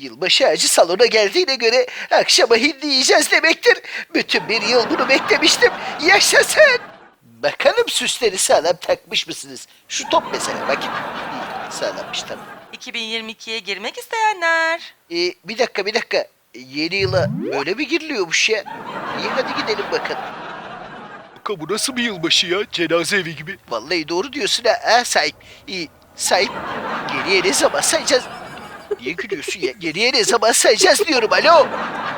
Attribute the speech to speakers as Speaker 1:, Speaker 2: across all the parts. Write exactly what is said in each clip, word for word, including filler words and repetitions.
Speaker 1: Yılbaşı ağacı salona geldiğine göre akşama hindi yiyeceğiz demektir. Bütün bir yıl bunu beklemiştim. Yaşasın! Bakalım süsleri sağlam takmış mısınız? Şu top mesela bakın. İyi, sağlammış tamam.
Speaker 2: iki bin yirmi ikiye girmek isteyenler.
Speaker 1: Ee, bir dakika bir dakika. Yeni yıla böyle mi giriliyormuş ya? İyi hadi gidelim bakalım.
Speaker 3: Kanka bu nasıl bir yılbaşı ya? Cenaze evi gibi.
Speaker 1: Vallahi doğru diyorsun ha, ha sahip. İyi, sahip. Geriye ne zaman sayacağız? Niye gülüyorsun ya? Geriye ne zaman sayacağız diyorum alo.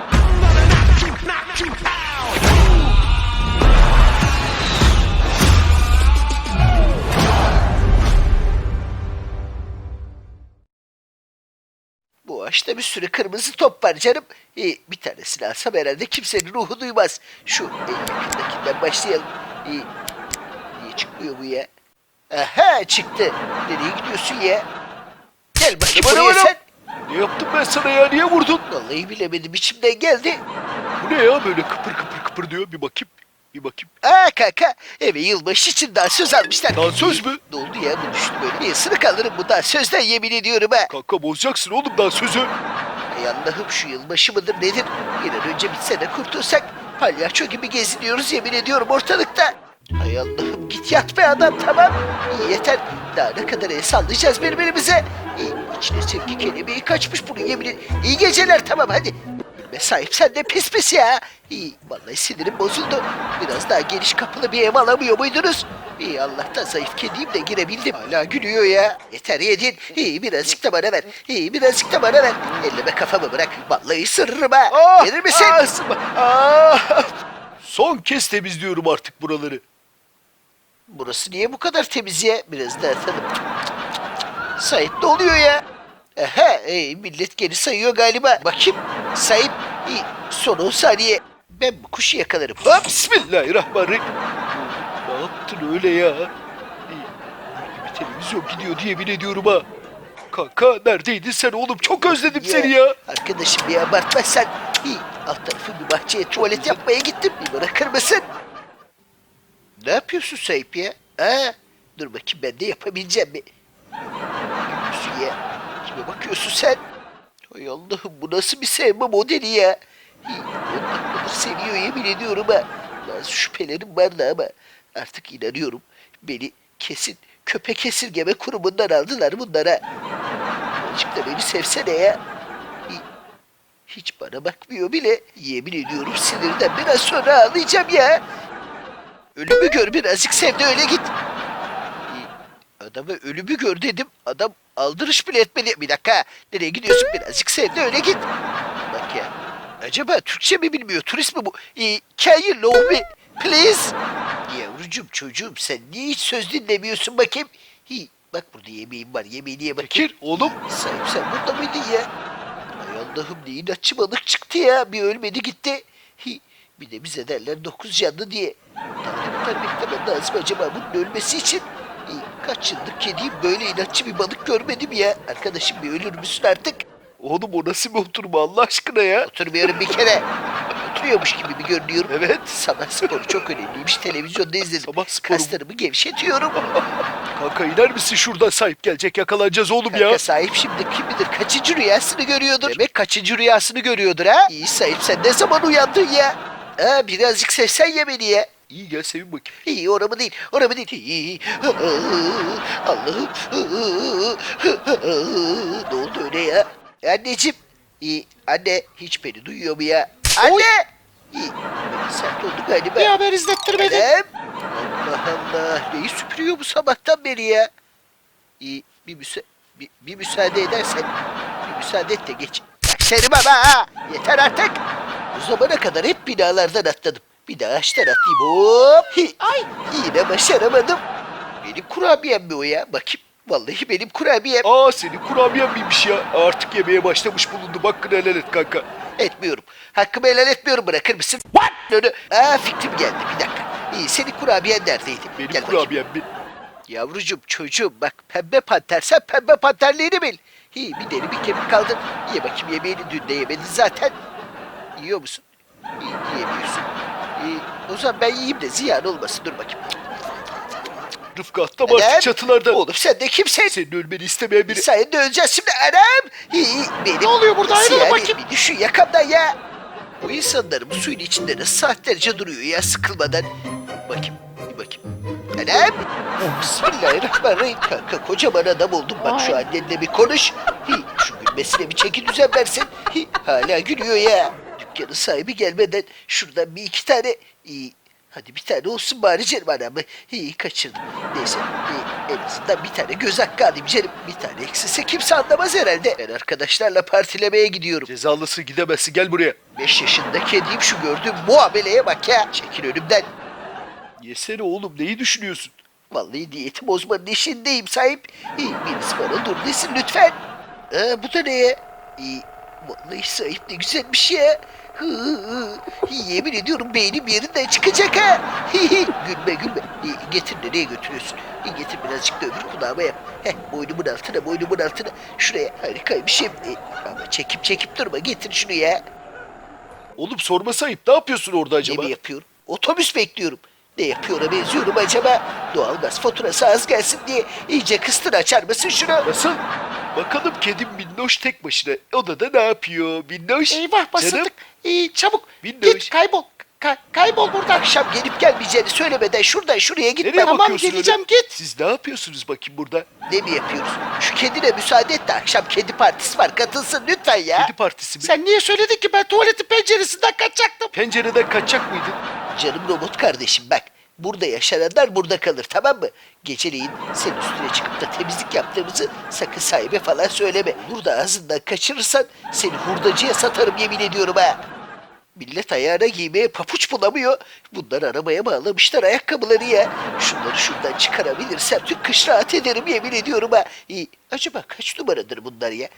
Speaker 1: Bu ağaçta bir sürü kırmızı top var canım. Ee, bir tanesini alsam herhalde kimsenin ruhu duymaz. Şu en yakındakinden başlayalım. Ee, niye çıkmıyor bu ya? Aha çıktı. Nereye gidiyorsun ya? Gel bakayım
Speaker 3: Bana,
Speaker 1: buraya
Speaker 3: bana.
Speaker 1: sen.
Speaker 3: Ne yaptım ben sana ya? Niye vurdun?
Speaker 1: Vallahi bilemedim içimden geldi.
Speaker 3: Bu ne ya böyle kıpır kıpır kıpır diyor. Bir bakayım. Bir bakayım.
Speaker 1: Aa kanka eve yılbaşı için dansöz almışlar.
Speaker 3: Dansöz mü?
Speaker 1: Ne oldu ya bu düştü böyle. Bir ısırık alırım bu dansözden yemin ediyorum ha.
Speaker 3: Kanka bozacaksın oğlum daha sözü.
Speaker 1: Ay Allah'ım şu yılbaşı mıdır nedir? Bir an önce bitse de kurtulsak. Palyaço gibi geziniyoruz yemin ediyorum ortalıkta. Hay Allah'ım git yat be adam tamam. İyi yeter. Daha ne kadar el sallayacağız birbirimize. İyi, içine sevgi kelimeyi kaçmış bunun yemin ed- İyi geceler tamam hadi. Gülme sahip sen de pis pis ya. İyi vallahi sinirim bozuldu. Biraz daha geniş kapılı bir ev alamıyor muydunuz? İyi Allah'tan zayıf kediyim de girebildim. Hala gülüyor ya. Yeter yedin. İyi birazcık da bana ver. İyi birazcık da bana ver. Elleme kafamı bırak. Vallahi ısırırım ha.
Speaker 3: Ah,
Speaker 1: Verir misin?
Speaker 3: ah, ısırma. Ah! Son kez temizliyorum artık buraları.
Speaker 1: Burası niye bu kadar temiz ya? Biraz daha atalım. Sahip ne oluyor ya? Aha, ey, millet geri sayıyor galiba. Bakayım, sahip. İyi, son on saniye. Ben bu kuşu yakalarım. Hop!
Speaker 3: Bismillahirrahmanirrahim. Ne yaptın öyle ya? İyi, bir televizyon gidiyor diye yemin ediyorum ha. Kanka neredeydin sen oğlum? Çok özledim seni ya.
Speaker 1: Arkadaşım bir abartmazsan. İyi, alt tarafı bir bahçeye tuvalet yapmaya gittim. Bir bırakır mısın? Ne yapıyorsun sahip ya? Ha? Dur bakayım ben de yapabileceğim mi? Gülüyorsun ya. Kime bakıyorsun sen? Hay Allah'ım bu nasıl bir sevme modeli ya? İyi, on dakikadır seviyor yemin ediyorum ha. Bazı şüphelerim vardı ama artık inanıyorum. Beni kesin köpek esirgeme kurumundan aldılar bunlara. Azıcık da beni sevsene ya. İyi, hiç bana bakmıyor bile. Yemin ediyorum sinirden biraz sonra ağlayacağım ya. Ölümü gör birazcık sev de öyle git. Adama ölümü gör dedim. Adam aldırış bile etmedi. Bir dakika. Nereye gidiyorsun? Birazcık sev de öyle git. Bak ya. Acaba Türkçe mi bilmiyor? Turist mi bu? Ee, can you love me? Please. Yavrucuğum çocuğum sen niye hiç söz dinlemiyorsun bakayım? Hi, bak burada yemeğim var. Yemeğini ye bakayım.
Speaker 3: Bekir oğlum.
Speaker 1: Sahip sen burada mıydın ya? Ay Allah'ım ne inatçı balık çıktı ya. Bir ölmedi gitti. Hi, bir de bize derler dokuz canlı diye. Daha ne kadar beklemem lazım acaba bunun ölmesi için? İyi, kaç yıldır kediyim böyle inatçı bir balık görmedim ya. Arkadaşım bir ölür müsün artık?
Speaker 3: Oğlum o nasıl bir oturma Allah aşkına ya?
Speaker 1: Oturmuyorum bir kere. Oturuyormuş gibi bir görünüyorum.
Speaker 3: Evet.
Speaker 1: Sabah sporu çok önemliymiş. Televizyonda izledim.
Speaker 3: Sabah sporu mu?
Speaker 1: Kaslarımı gevşetiyorum.
Speaker 3: Kanka iner misin şuradan sahip gelecek yakalanacağız oğlum
Speaker 1: Kanka
Speaker 3: ya.
Speaker 1: sahip şimdi kim bilir kaçıncı rüyasını görüyordur. Demek kaçıncı rüyasını görüyordur ha? İyi sahip sen ne zaman uyandın ya? Ha birazcık sevsen ya beni ya.
Speaker 3: İyi gel sevin bakayım.
Speaker 1: İyi oramı değil, oramı değil. İyi. Allah'ım. Ne oldu öyle ya? Anneciğim. İyi. Anne hiç beni duyuyor mu ya? Anne. İyi. Biraz sert oldu galiba.
Speaker 2: Bir haber izlettirmedin.
Speaker 1: Annem. Allah Allah. Neyi süpürüyor bu sabahtan beri ya? İyi. Bir, müsa bir, bir müsaade edersen. Bir müsaade et de geç. Bak seni baba ha. Yeter artık. Bu zamana kadar hep binalardan atladım. Bir daha ağaçtan atlayayım. Hop. Hi. Ay. Yine başaramadım. Benim kurabiyem mi o ya? Bakayım. Vallahi benim kurabiyem.
Speaker 3: Aa senin kurabiyen miymiş ya? Artık yemeye başlamış bulundu. Hakkını helal et kanka.
Speaker 1: Etmiyorum. Hakkımı helal etmiyorum. Bırakır mısın? What? Onu. Aa fikrim geldi. Bir dakika. İyi senin kurabiyen neredeydi?
Speaker 3: Benim
Speaker 1: Gel bakayım.
Speaker 3: kurabiyem mi?
Speaker 1: Yavrucuğum çocuğum bak pembe panter sen pembe panterliğini bil. Hi bir deri bir kemik kaldın. Ye bakayım yemeğini dün de yemedin zaten. Yiyor musun? İyi, yiyemiyorsun. İyi, o zaman ben yiyeyim de ziyan olmasın dur bakayım.
Speaker 3: Rıfkı atlama artık
Speaker 1: Anam.
Speaker 3: çatılardan.
Speaker 1: Oğlum sen de kimsin?
Speaker 3: Senin ölmeni istemeyen biri.
Speaker 1: Sayın de öleceğiz şimdi anam. Hi, benim.
Speaker 4: Ne oluyor burada?
Speaker 1: Nasıl
Speaker 4: Ayrılın
Speaker 1: yani?
Speaker 4: bakayım.
Speaker 1: Bir düşün yakamdan ya. Bu insanlar bu suyun içinde nasıl saatlerce duruyor ya sıkılmadan. Bakayım bir bakayım. Anam. Bismillahirrahmanirrahim. Kanka kocaman adam oldum bak şu
Speaker 4: Ay.
Speaker 1: annenle bir konuş. Hi, şu gülmesine bir çeki düzen versin. Hi, hala gülüyor ya. Dükkanın sahibi gelmeden şuradan bir iki tane... iyi. Hadi bir tane olsun bari canım anamı. İyi kaçırdım. Neyse iyi, en azından bir tane göz hakkı alayım canım. Bir tane eksilse kimse anlamaz herhalde. Ben arkadaşlarla partilemeye gidiyorum.
Speaker 3: Cezalısı gidemezsin, gel buraya.
Speaker 1: Beş yaşında kediyim şu gördüğüm muameleye bak ya. Çekil önümden.
Speaker 3: Yesene oğlum, neyi düşünüyorsun?
Speaker 1: Vallahi diyeti bozmanın işindeyim sahip. İyi, birisi bana dur desin lütfen. Aa, bu da ne ya? İyi, vallahi sahip ne güzelmiş ya. Hı, hı, hı. Yemin ediyorum beynim yerinden çıkacak ha. Hi, hi. Gülme gülme. İyi, getir nereye götürüyorsun? İyi, getir birazcık da öbür kulağıma yap. Heh, boynumun altına boynumun altına. Şuraya harikaymış hem. E, ama çekip çekip durma getir şunu ya.
Speaker 3: Oğlum sorma sayıp, ne yapıyorsun orada acaba?
Speaker 1: Ne mi yapıyorum? Otobüs bekliyorum. Ne yapıyor'a benziyorum acaba? Doğalgaz faturası az gelsin diye iyice kıstır açar mısın şunu?
Speaker 3: Nasıl? Bakalım kedim Minnoş tek başına odada ne yapıyor? Minnoş.
Speaker 4: Eyvah basıldık.
Speaker 3: Canım,
Speaker 4: İyi çabuk.
Speaker 3: Windows.
Speaker 4: Git kaybol. Ka- kaybol buradan.
Speaker 1: Akşam gelip gelmeyeceğini söylemeden şuradan şuraya gitme.
Speaker 3: nereye
Speaker 4: Tamam,
Speaker 3: bakıyorsun
Speaker 4: geleceğim,
Speaker 3: öyle?
Speaker 4: git.
Speaker 3: Siz ne yapıyorsunuz bakayım burada?
Speaker 1: Ne mi yapıyoruz? Şu kedine müsaade et de akşam kedi partisi var katılsın lütfen ya.
Speaker 3: Kedi partisi mi?
Speaker 4: Sen niye söyledin ki ben tuvaletin penceresinden kaçacaktım?
Speaker 3: Pencereden kaçacak mıydın?
Speaker 1: Canım robot kardeşim bak. Burada yaşananlar burada kalır tamam mı? Geceleyin senin üstüne çıkıp da temizlik yaptığımızı sakın sahibe falan söyleme. Olur da ağzından kaçırırsan seni hurdacıya satarım yemin ediyorum ha. Millet ayağına giymeye papuç bulamıyor. Bunlar arabaya bağlamışlar ayakkabıları ya. Şunları şuradan çıkarabilirsem tüm kış rahat ederim yemin ediyorum ha. İyi. Acaba kaç numaradır bunlar ya?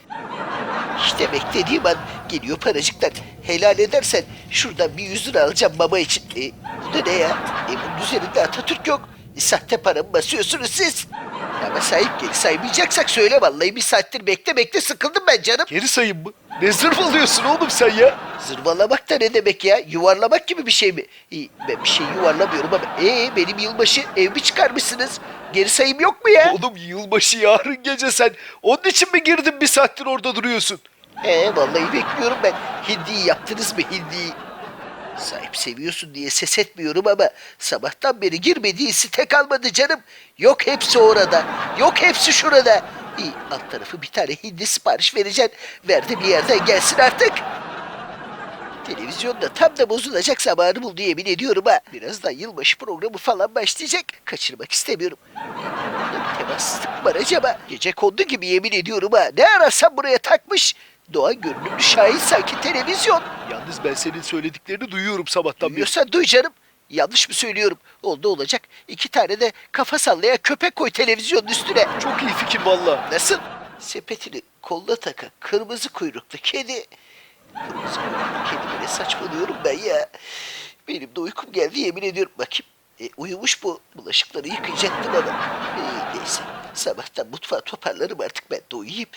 Speaker 1: İşte beklediğim an geliyor paracıklar. Helal edersen şuradan bir yüz lira alacağım baba için. E, bu da ne ya? E, bunun üzerinde Atatürk yok. E, sahte para mı basıyorsunuz siz? Ama sahip geri saymayacaksak söyle vallahi bir saattir bekle bekle sıkıldım ben canım.
Speaker 3: Geri sayayım mı? Ne zırvalıyorsun oğlum sen ya?
Speaker 1: Zırvalamak da ne demek ya? Yuvarlamak gibi bir şey mi? İyi, ben bir şey yuvarlamıyorum ama ee benim yılbaşı ev mi çıkarmışsınız? Geri sayım yok mu ya?
Speaker 3: Oğlum yılbaşı yarın gece sen. Onun için mi girdin bir saattir orada duruyorsun?
Speaker 1: Ee vallahi bekliyorum ben. Hindiyi yaptınız mı hindiyi? Sahip seviyorsun diye ses etmiyorum ama sabahtan beri girmediği site kalmadı canım. Yok hepsi orada. Yok hepsi şurada. İyi alt tarafı bir tane hindi sipariş vereceksin. Ver de bir yerden gelsin artık. Televizyonda tam da bozulacak zamanı buldu yemin ediyorum ha. Birazdan yılbaşı programı falan başlayacak. Kaçırmak istemiyorum. Burada bir temassızlık var acaba. Gece kondu gibi yemin ediyorum ha. Ne arasam buraya takmış. Doğan görünümlü şahin sanki televizyon.
Speaker 3: Yalnız ben senin söylediklerini duyuyorum sabahtan beri.
Speaker 1: Duyuyorsan duy canım. Yanlış mı söylüyorum? Oldu olacak. İki tane de kafa sallayan köpek koy televizyonun üstüne.
Speaker 3: Çok iyi fikir valla.
Speaker 1: Nasıl? Sepetini koluna takan kırmızı kuyruklu kedi. Kırmızı kuyruklu kedi böyle saçmalıyorum ben ya. Benim de uykum geldi yemin ediyorum. Bakayım. E, uyumuş bu. Bulaşıkları yıkayacaktım ama. E, neyse. Sabahtan mutfağı toparlarım artık ben de uyuyayım.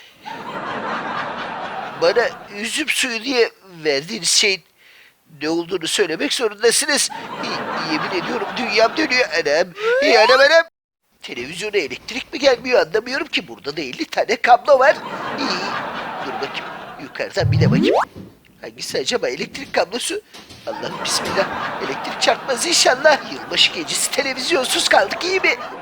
Speaker 1: Bana üzüm suyu diye verdiğiniz şeyin ne olduğunu söylemek zorundasınız. Y- yemin ediyorum dünyam dönüyor anam. Hey anam anam. Televizyona elektrik mi gelmiyor anlamıyorum ki. Burada da elli tane kablo var. İyi. Dur bakayım. Yukarıdan bir de bakayım. Hangisi acaba elektrik kablosu? Allah'ım bismillah. Elektrik çarpmaz inşallah. Yılbaşı gecesi televizyonsuz kaldık iyi mi?